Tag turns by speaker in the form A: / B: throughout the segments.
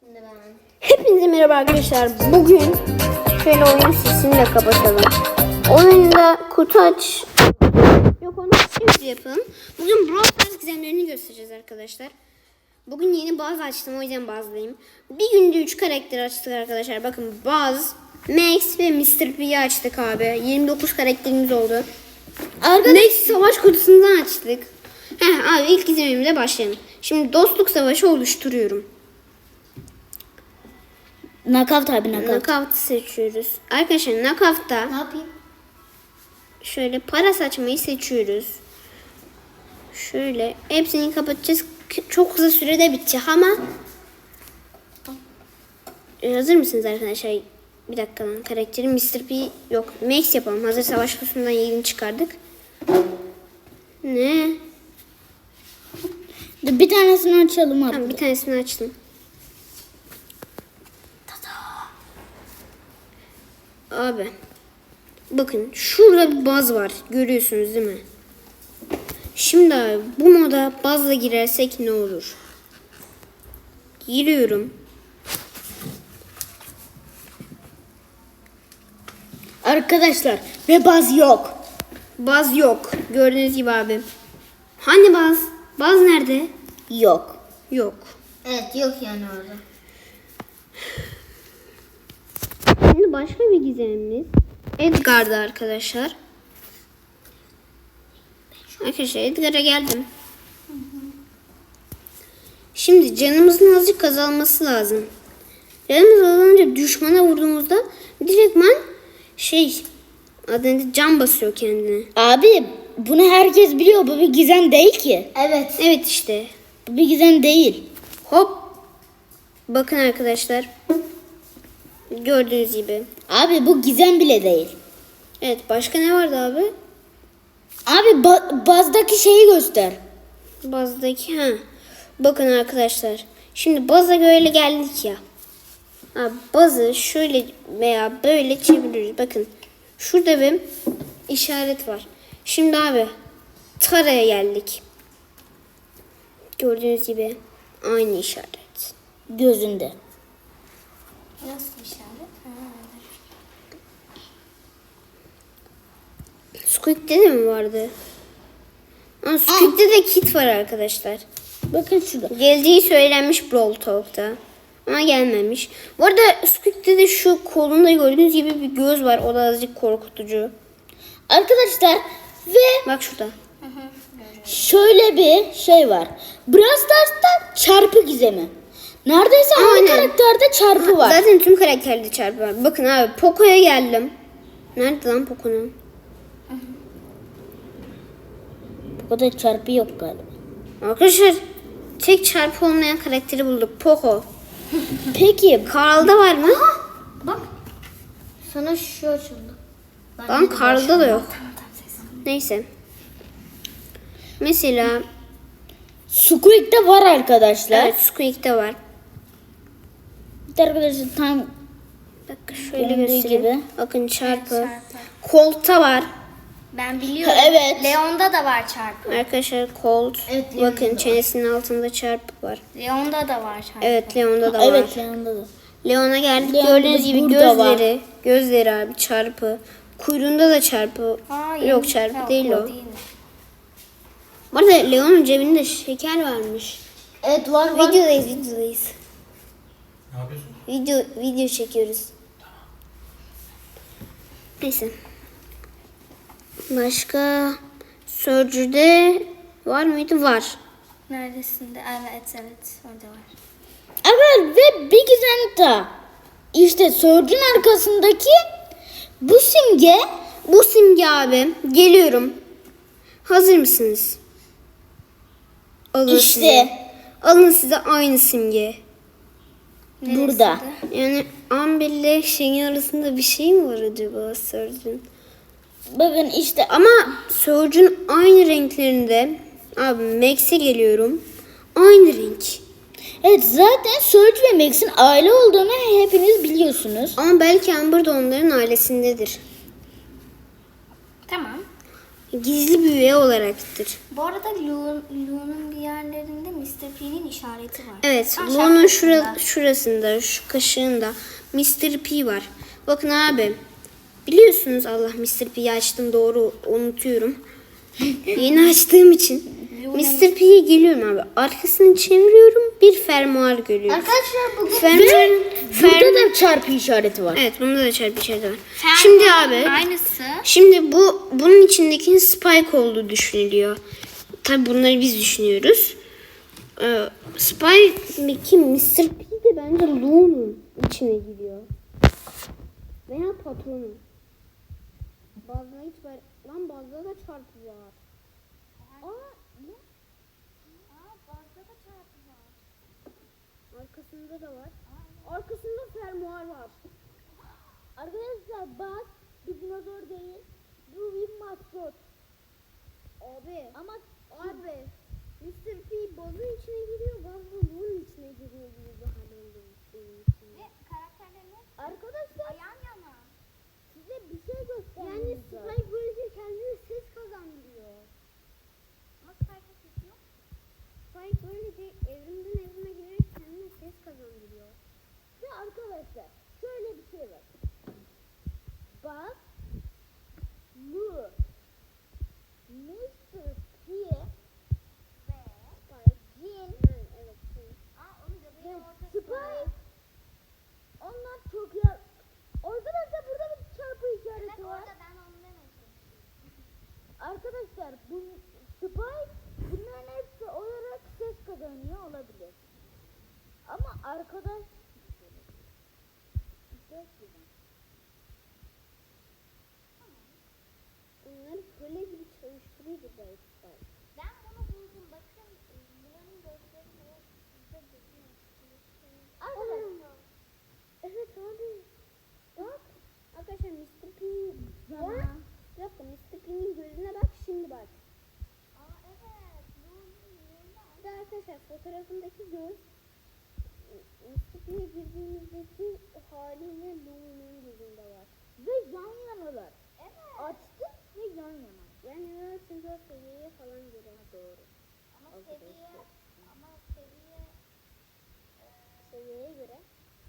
A: Hepinize merhaba arkadaşlar. Bugün şöyle oyun sesini de kapatalım. Oyunda kutu aç. Yok, onu şimdi yapalım. Bugün Brawl Stars gizemlerini göstereceğiz arkadaşlar. Bugün yeni Buzz açtım, o yüzden Buzz'layım. Bir günde 3 karakter açtık arkadaşlar. Bakın Buzz, Max ve Mr. P'yi açtık abi. 29 karakterimiz oldu. Max savaş kutusundan açtık. Abi ilk gizemimle başlayalım. Şimdi dostluk savaşı oluşturuyorum.
B: Knockout abi, knockout.
A: Knockout seçiyoruz. Arkadaşlar knockout'ta
B: Ne yapayım?
A: şöyle para saçmayı seçiyoruz. Şöyle hepsini kapatacağız. Çok kısa sürede bitecek ama hazır mısınız arkadaşlar? Bir dakika lan, karakterim Mr. P yok. Max yapalım. Hazır savaş kutusundan yeni çıkardık. Ne?
B: Bir tanesini açalım abi.
A: Tamam, bir tanesini açtım. Abi bakın şurada bir baz var, görüyorsunuz değil mi? Şimdi abi bu moda bazla girersek ne olur? Giriyorum.
B: Arkadaşlar ve baz yok.
A: Baz yok, gördüğünüz gibi abi. Hani baz? Baz nerede?
B: Yok.
A: Yok.
B: Evet, yok yani orada.
A: Şimdi başka bir gizemimiz Edgar'da arkadaşlar. Arkadaşlar Edgar'a geldim. Şimdi canımızın azıcık azalması lazım. Canımız azalınca düşmana vurduğumuzda direktman adında can basıyor kendine.
B: Abi bunu herkes biliyor. Bu bir gizem değil ki. Evet.
A: Evet işte.
B: Bu bir gizem değil.
A: Hop. Bakın arkadaşlar. Gördüğünüz gibi.
B: Abi bu gizem bile değil.
A: Evet, başka ne vardı abi?
B: Abi bazdaki şeyi göster.
A: Bazdaki Bakın arkadaşlar. Şimdi baza böyle geldik ya. Bazı şöyle veya böyle çeviriyoruz. Bakın. Şurada bir işaret var. Şimdi abi Tara'ya geldik. Gördüğünüz gibi aynı işaret.
B: Gözünde.
C: Nasıl işaret?
A: Squeak'te de mi vardı? Squeak'te de kit var arkadaşlar.
B: Bakın şurada.
A: Geldiği söylenmiş Brawl Talk'ta. Ama gelmemiş. Bu arada Squeak'te de şu kolunda gördüğünüz gibi bir göz var. O da azıcık korkutucu.
B: Arkadaşlar ve
A: Bak şurada.
B: şöyle bir şey var. Brawl Stars'ta çarpı gizemi. Neredeyse her
A: Aynen.
B: karakterde çarpı var.
A: Zaten tüm karakterde çarpı var. Bakın abi Poco'ya geldim. Nerede lan Poco'nun?
B: Bu kadar çarpı yok galiba.
A: Arkadaşlar tek çarpı olmayan karakteri bulduk. Poco.
B: Peki
A: Karl'da var mı?
C: Bak. Sana şu açıldı.
A: Lan Karl'da da yok. Neyse. Mesela
B: Squeak'te var arkadaşlar.
A: evet, Squeak'te var.
B: Bir arkadaşlar tam
A: Bakın şöyle
B: Göründüğü
A: göstereyim.
B: gibi.
A: Bakın çarpı.
C: Çarpı.
A: Colt'ta var.
C: Ben biliyorum.
B: Evet.
C: Leon'da da var çarpı.
A: Arkadaşlar Colt.
B: Evet,
A: Bakın çenesinin altında çarpı var.
C: Leon'da da var çarpı.
A: Evet, Leon'da da var.
B: evet yanında da.
A: Leon'a geldik.
B: Leon'da
A: Gördüğünüz gibi
B: burada var.
A: gözleri abi çarpı. Kuyruğunda da çarpı. Yok, çarpı değil o. Bu arada Leon'un cebinde şeker varmış.
B: Evet var.
A: Videodayız.
D: Ne yapıyorsun?
A: Video çekiyoruz. Neyse. Başka Surge'de var mıydı? Var.
C: Neredesinde? Evet. Orada var.
B: Evet ve bir gizem daha. İşte Surge'un arkasındaki bu simge.
A: Bu simge abi. Geliyorum. Hazır mısınız? Alın
B: İşte.
A: size. Alın size aynı simge.
B: Burada.
A: Yani Amber ile şeyin arasında bir şey mi var acaba Surge'un?
B: Bakın işte
A: Ama Surge'un aynı renklerinde. Abi Max'e geliyorum. Aynı renk.
B: evet zaten Surge ve Max'in aile olduğunu hepiniz biliyorsunuz.
A: Ama belki Amber de onların ailesindedir.
C: Tamam.
A: Gizli bir üye olaraktır.
C: Bu arada Lu'nun bir yerlerinde Mr. P'nin işareti var.
A: Evet,
C: Ben
A: Lu'nun
C: şarkısında.
A: şurasında, şu kaşığında Mr. P var. Bakın abi, biliyorsunuz Allah Mr. P'yi açtım, doğru unutuyorum. Yeni açtığım için. Mr. P'ye geliyorum abi. Arkasını çeviriyorum, bir fermuar görüyoruz.
C: Arkadaşlar bugün
B: Burada da çarpı işareti var.
A: Evet, bunda da çarpı işareti var. Şimdi abi,
C: aynısı.
A: şimdi bunun içindeki Spike olduğu düşünülüyor. Tabi bunları biz düşünüyoruz. Spike kim? Mr. P de bence Lu'nun içine giriyor. Veya patronun. Bazıda hiç var. Lan bazıda da çarpı var. Ne?
C: Bazda da çarpı var.
A: Arkasında da var. Arkasında fermuar var.
B: Arkadaşlar bak bir dinozor değil. Bu bir maskot.
A: Abi.
B: Ama
A: Abi. Mr. P bazın içine giriyor. Baz da Lu'nun içine giriyor gibi bir hal oldu benim için.
C: Karakterlerine
B: arkadaşlar
C: yan yana.
B: size bir şey göstereyim.
A: Yani Spike böylece kendine ses kazandırıyor.
C: Ama Spike'ın sesi yok.
A: Spike böylece evrimden evrime girerek kendine ses kazandırıyor.
B: Ve arkadaşlar şöyle bir şey var. Bak Lu Mr. P
C: Ve
B: Jin
A: Evet.
C: onu göbeğin
B: ve
C: ortasına.
B: Spike onlar çok yer. Arkadaşlar burada bir çarpı işareti var.
C: Orada ben onu demeye çalışıyorum.
B: Arkadaşlar bu Spike bunların hepsi olarak ses kazanıyor olabilir. Ama arkadaş
A: Onları köle gibi çalıştırıyordu belki Spike.
C: Ben bunu buldum. Bakın bunların gözleri ne? Bize gözüne
B: arkadaşlar
A: Evet abi. Bak. Arkadaşlar Mr. P'nin
B: Zaman.
A: Bir dakika, Mr. P'nin gözüne bak, şimdi bak.
C: evet.
A: Bir de arkadaşlar fotoğrafındaki göz Mr. P'ye girdiğimizdeki haliyle Lu'nun gözünde var.
B: Ve yan yanalar.
C: Evet.
B: Açtık ve yan yana.
A: Yani evet, çünkü o seviyeye falan göre doğru.
C: Ama seviye
A: Seviyeye göre.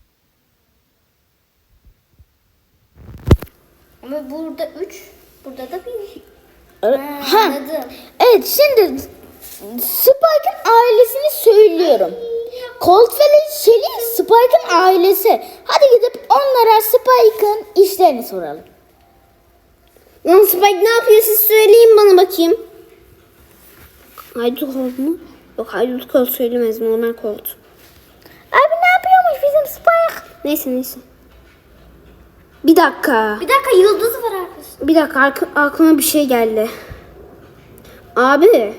C: ama burada 3, burada da 1.
B: Ha.
C: Anladım.
B: Evet şimdi Spike'ın ailesini söylüyorum. Colt ve Shelly Spike'ın ailesi. Hadi gidip onlara Spike'ın işlerini soralım.
A: Lan Spike ne yapıyor, siz söyleyin bana bakayım. Haydut Colt mu? Yok, Haydut Colt söylemez, normal Colt.
B: Abi ne yapıyormuş bizim Spike?
A: Neyse. Bir dakika.
C: Bir dakika, yıldız var arkadaşlar.
A: Bir dakika, aklıma bir şey geldi. Abi.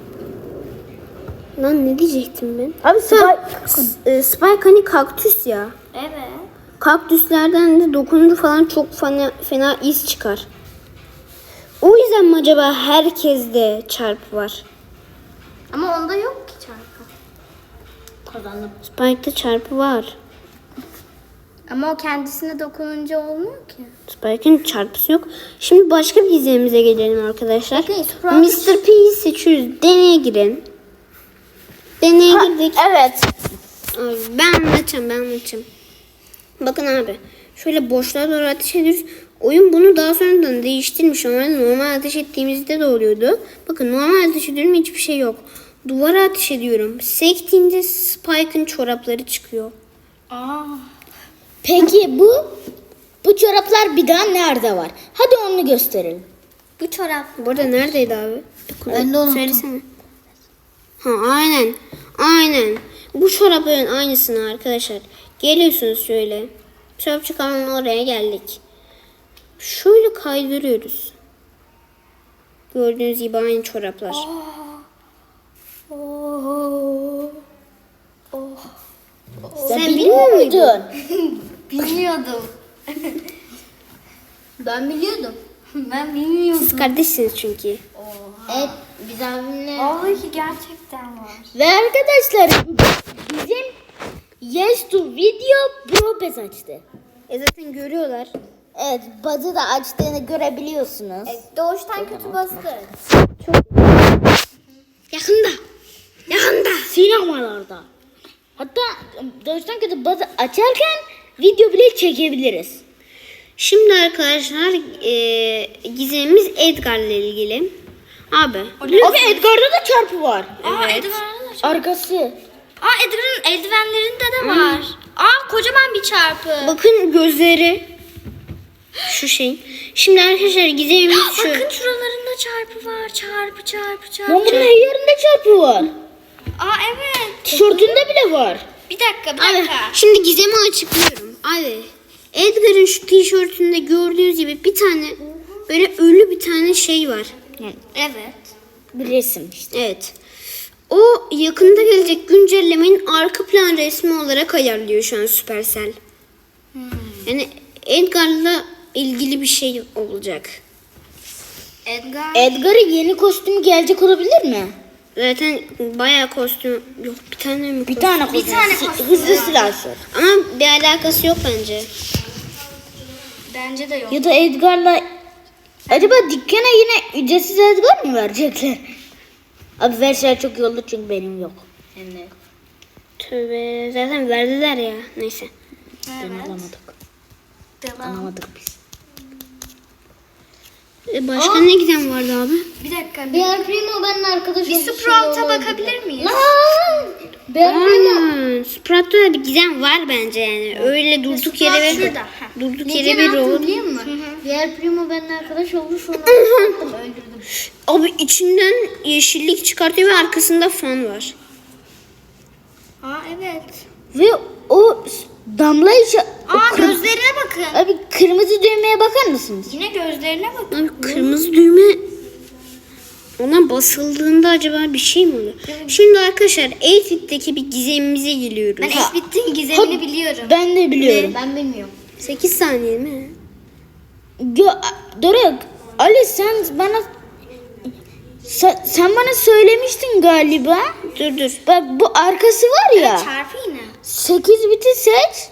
A: Lan ne diyecektim ben?
B: Abi
A: Spike hani kaktüs ya.
C: Evet.
A: Kaktüslerden de dokununca falan çok fena iz çıkar. O yüzden mi acaba herkeste çarpı var?
C: Ama onda yok ki çarpı.
B: kazandım.
A: Spike'da çarpı var.
C: Ama o kendisine dokununca olmuyor ki.
A: Spike'ın çarpısı yok. Şimdi başka bir gizemimize gelelim arkadaşlar.
C: Bakın, Sprout.
A: Mr. P'yi seçiyoruz. Deneye girin. Deneye girdik.
B: Evet.
A: Abi, ben anlatacağım. Bakın abi. Şöyle boşluğa doğru ateş ediyoruz. Oyun bunu daha sonradan değiştirmiş. Normal ateş ettiğimizde de oluyordu. Bakın normal ateş ediyorum, hiçbir şey yok. Duvara ateş ediyorum. Sektiğinde Spike'ın çorapları çıkıyor.
B: Peki bu çoraplar bir daha nerede var? Hadi onu gösterelim.
C: Bu çorap.
A: Bu arada neredeydi abi?
B: Ben de unuttum.
A: Söylesene. Ha, aynen. Bu çorapların aynısını arkadaşlar. Geliyorsunuz şöyle. Çorapçı kanalının oraya geldik. Şöyle kaydırıyoruz. Gördüğünüz gibi aynı çoraplar.
B: Sen biliyor muydun?
C: Bilmiyordum. Ben biliyordum. Ben bilmiyordum.
A: Siz kardeşsiniz çünkü.
B: Evet biz abimle.
C: Ay gerçekten var.
B: Ve arkadaşlar bizim Yes to Video Pro Pass açtı.
A: Zaten görüyorlar.
B: Evet, bazı da açtığını görebiliyorsunuz.
A: Doğuştan kötü bastı. Yakında. Yakında.
B: Sinemalarda. Hatta doğuştan kötü bazı açarken video bile çekebiliriz.
A: Şimdi arkadaşlar gizemimiz Edgar'la ilgili. Abi.
B: Abi Edgar'da da çarpı var.
A: Evet.
B: Arkası.
C: Edgar'ın eldivenlerinde de var. Kocaman bir çarpı.
A: Bakın gözleri. Şu şey. Şimdi arkadaşlar gizemimiz şu.
C: Bakın şuralarında çarpı var. Çarpı.
B: Lan bunun her yerinde çarpı var.
C: Evet.
B: Tişörtünde bile var.
C: Bir dakika.
A: Abi şimdi gizemi açıklıyorum. Abi Edgar'ın şu tişörtünde gördüğünüz gibi bir tane böyle ölü bir tane şey var.
C: Evet.
B: Bir resim işte.
A: Evet. O yakında gelecek güncellemenin arka plan resmi olarak ayarlıyor şu an Supercell. Yani Edgar'la ilgili bir şey olacak.
B: Edgar'ın yeni kostümü gelecek olabilir mi?
A: Zaten bayağı kostüm yok, bir tane mi?
B: Bir tane kostüm. Hızlı silahşör.
A: Ama bir alakası yok bence.
C: Bence de yok.
B: Ya da Edgar'la acaba dükkana yine ücretsiz Edgar mı verecekler? Abi verseler çok iyi olur çünkü benim yok. Hem de
A: Tövbe, zaten verdiler ya. Neyse.
B: alamadık.
C: Devam.
B: Alamadık biz.
A: Başka ne gizem vardı abi?
C: Bir dakika.
B: Bear Primo benim arkadaşım.
C: Bir Sprout'a bakabilir miyiz?
B: Bear Primo.
A: Sprat'ta da bir gizem var bence yani. Öyle durduk yere ve
C: şurada.
A: durduk yere bir rol.
B: Biliyor musun? Bear Primo benimle arkadaş oldu sonra attım öldürdüm.
A: Abi içinden yeşillik çıkartıyor ve arkasında fan var.
C: Evet.
B: Ve o damla işi...
C: Gözlerine bakın.
B: Abi kırmızı düğmeye bakar mısınız?
C: Yine gözlerine bakın.
A: Abi kırmızı düğme ona basıldığında acaba bir şey mi oluyor? Şimdi arkadaşlar 8-Bit'teki bir gizemimize geliyoruz.
C: Ben X-Bit'in gizemini biliyorum.
B: Ben de biliyorum.
C: Ben bilmiyorum.
A: 8 saniye mi?
B: Doruk, Ali sen bana... Sen bana söylemiştin galiba.
A: Dur.
B: Bak bu arkası var ya.
C: Çarpı yine.
B: 8 biti seç.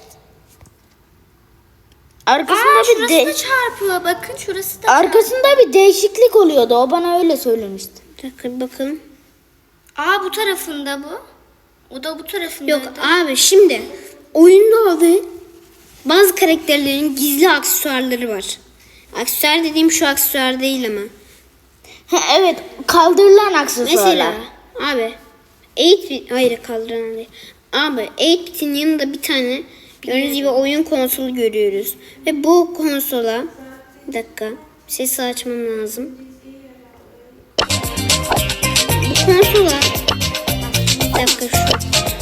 B: Arkasında bir
C: Şurası da çarpı. Bakın şurası da
B: arkasında bir değişiklik oluyordu. O bana öyle söylemişti.
A: Bir dakika bir bakalım.
C: bu tarafında bu. O da bu tarafında.
A: Yok abi şimdi oyunda abi bazı karakterlerin gizli aksesuarları var. Aksesuar dediğim şu aksesuar değil ama.
B: Ha, evet, kaldırılan aksesuarlar.
A: Mesela abi 8-Bit hayır kaldıran değil. Abi 8-Bit'in yanında bir tane gördüğünüz gibi oyun konsolu görüyoruz. Ve bu konsola bir dakika sesi açmam lazım. Bu konsola bir dakika şu.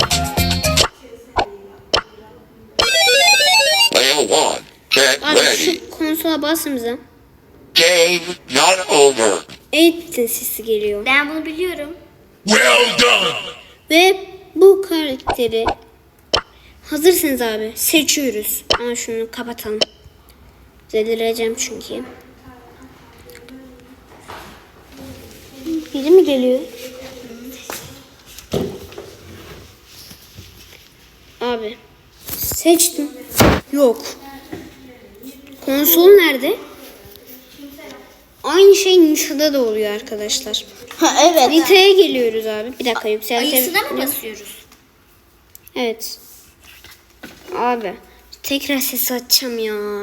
E: Layer 1, get
A: Abi
E: ready.
A: şu konsola basımıza
E: Game not over.
A: 8-Bit'in sesi geliyor.
C: Ben bunu biliyorum.
E: Well done.
A: Ve bu karakteri hazırsınız abi seçiyoruz. Ama şunu kapatalım. Delireceğim çünkü. Biri mi geliyor? Abi seçtim. Yok. Konsol nerede? Aynı şey Nita'da da oluyor arkadaşlar.
B: Ha, evet.
A: Nita'ya geliyoruz abi. Bir dakika
C: Ayısına mı basıyoruz?
A: Evet. Abi tekrar ses açacağım ya.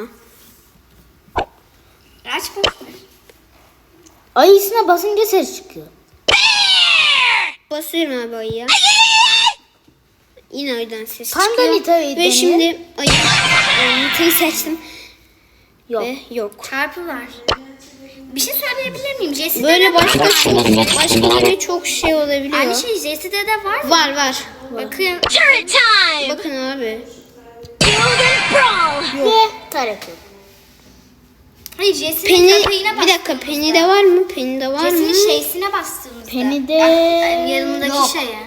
C: Aç bakayım.
B: Ayısına basınca ses çıkıyor.
A: Basıyorum abi ayıya. Yine ayıdan ses
B: Tam da
A: çıkıyor.
B: Nita'yı
A: Ve
B: dene.
A: şimdi Nita'yı seçtim.
B: Yok.
A: Ve yok.
C: Çarpı var. Bir şey söyleyebilir miyim? Jesse'de
A: Böyle
C: de var.
A: başka böyle çok şey olabiliyor.
C: Aynı şey Jesse'de de var mı?
A: Var.
C: Bakın.
A: Bakın abi.
B: Ve tarafı.
C: Hayır Jesse'nin
A: Penny
C: köpeğine
A: bir dakika Penny'de var mı? Penny'de var mı?
C: Jesse'nin şeysine bastığımızda.
B: Penny'de
C: Yanındaki
B: yok.
C: şeye.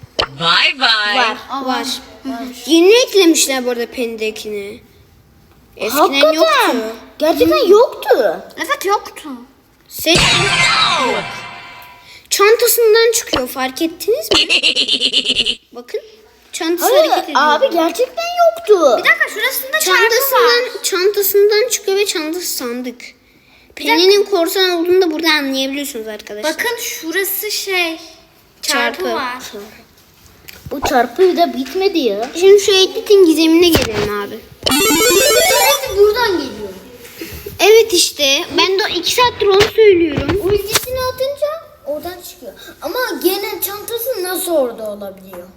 A: Var. Yeni eklemişler bu arada Penny'dekini. Eskiden
B: Hakikaten.
A: yoktu.
B: Gerçekten yoktu.
C: Evet yoktu.
A: Seç. Yok. Çantasından çıkıyor fark ettiniz mi? Bakın. Çantası
B: Hayır
A: hareket ediyor.
B: abi gerçekten yoktu.
C: Bir dakika şurasında çarpı var.
A: Çantasından çıkıyor ve çantası sandık. Penny'nin korsan olduğunu da burada anlayabiliyorsunuz arkadaşlar.
C: Bakın şurası çarpı var.
B: Bu çarpı da bitmedi ya.
A: Şimdi şu 8-bit'in gizemine gelelim abi.
C: Buradan geliyor.
A: Evet işte ben de 2 saattir onu söylüyorum.
C: Ultisini atınca oradan çıkıyor. Ama gene çantası nasıl orada olabiliyor?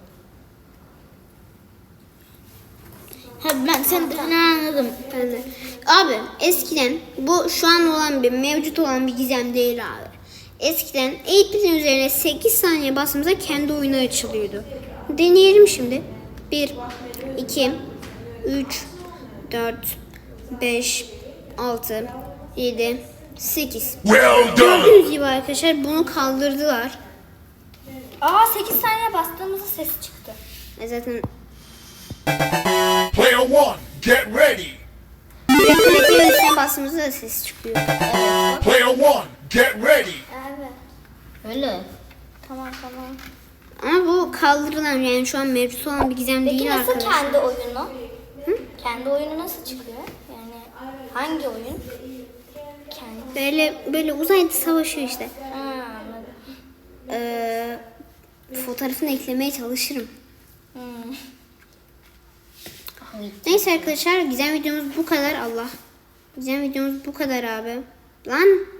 B: Ha, ben sen ne anladım.
A: Ben de. Abi eskiden bu şu an olan bir mevcut olan bir gizem değil abi. Eskiden 8-bit'in üzerine 8 saniye bastığımızda kendi oyunu açılıyordu. Deneyelim şimdi. 1, 2, 3, 4, 5, 6, 7, 8.
E: Well done.
A: Gördüğünüz gibi arkadaşlar bunu kaldırdılar.
C: 8 saniye bastığımızda ses çıktı.
A: Zaten
E: Player one, get ready.
A: reklamın üstüne bastığımızda da ses çıkıyor.
E: Player one, get ready.
C: Evet.
B: Öyle.
C: Tamam.
A: Ama bu kaldırılan yani şu an mevcut olan bir gizem
C: Peki
A: değil
C: nasıl
A: arkadaşlar.
C: kendi oyunu? Kendi oyunu nasıl çıkıyor? Yani hangi oyun? Kendi.
A: Böyle uzayda savaşıyor işte.
C: Anladım.
A: Fotoğrafını eklemeye çalışırım. Neyse arkadaşlar gizem videomuz bu kadar. Allah. Gizem videomuz bu kadar abi. Lan